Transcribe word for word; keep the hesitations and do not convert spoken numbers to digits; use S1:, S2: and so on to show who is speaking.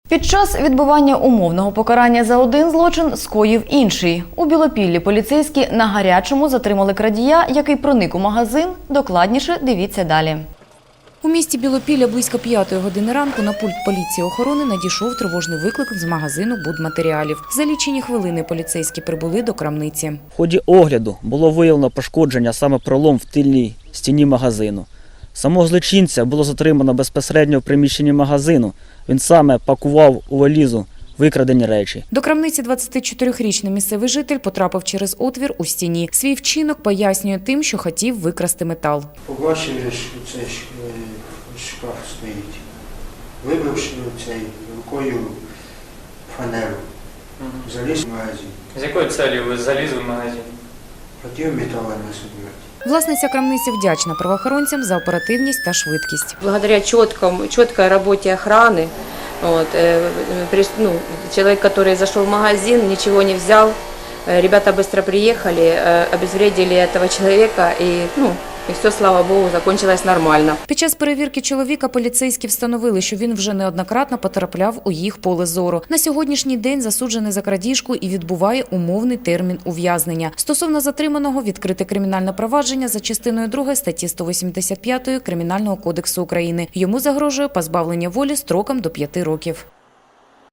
S1: Під час відбування умовного покарання за один злочин скоїв інший. У Білопіллі поліцейські на гарячому затримали крадія, який проник у магазин. Докладніше дивіться далі.
S2: У місті Білопілля близько п'ятої години ранку на пульт поліції охорони надійшов тривожний виклик з магазину будматеріалів. За лічені хвилини поліцейські прибули до крамниці.
S3: В ході огляду було виявлено пошкодження, саме пролом в тильній стіні магазину. Самого злочинця було затримано безпосередньо в приміщенні магазину. Він саме пакував у валізу викрадені речі.
S2: До крамниці двадцятичотирирічний місцевий житель потрапив через отвір у стіні. Свій вчинок пояснює тим, що хотів викрасти метал.
S4: Побачив, що цей шкаф стоїть. Вибивши цей рукою фанеру, заліз в магазин.
S5: З якою целью ви залізли в магазин?
S4: Хотів метал насобирати.
S2: Власниця крамниці вдячна правоохоронцям за оперативність та швидкість.
S6: Благодаря четкому, четкой работе охраны, вот, э, при, ну, человек, который зашел в магазин, ничего не взял, э, ребята быстро приехали, э, обезвредили этого человека и, ну, і все, слава Богу, закончилось нормально.
S2: Під час перевірки чоловіка поліцейські встановили, що він вже неоднократно потрапляв у їх поле зору. На сьогоднішній день засуджений за крадіжку і відбуває умовний термін ув'язнення. Стосовно затриманого відкрите кримінальне провадження за частиною другої статті сто вісімдесят п'ять Кримінального кодексу України. Йому загрожує позбавлення волі строком до п'яти років.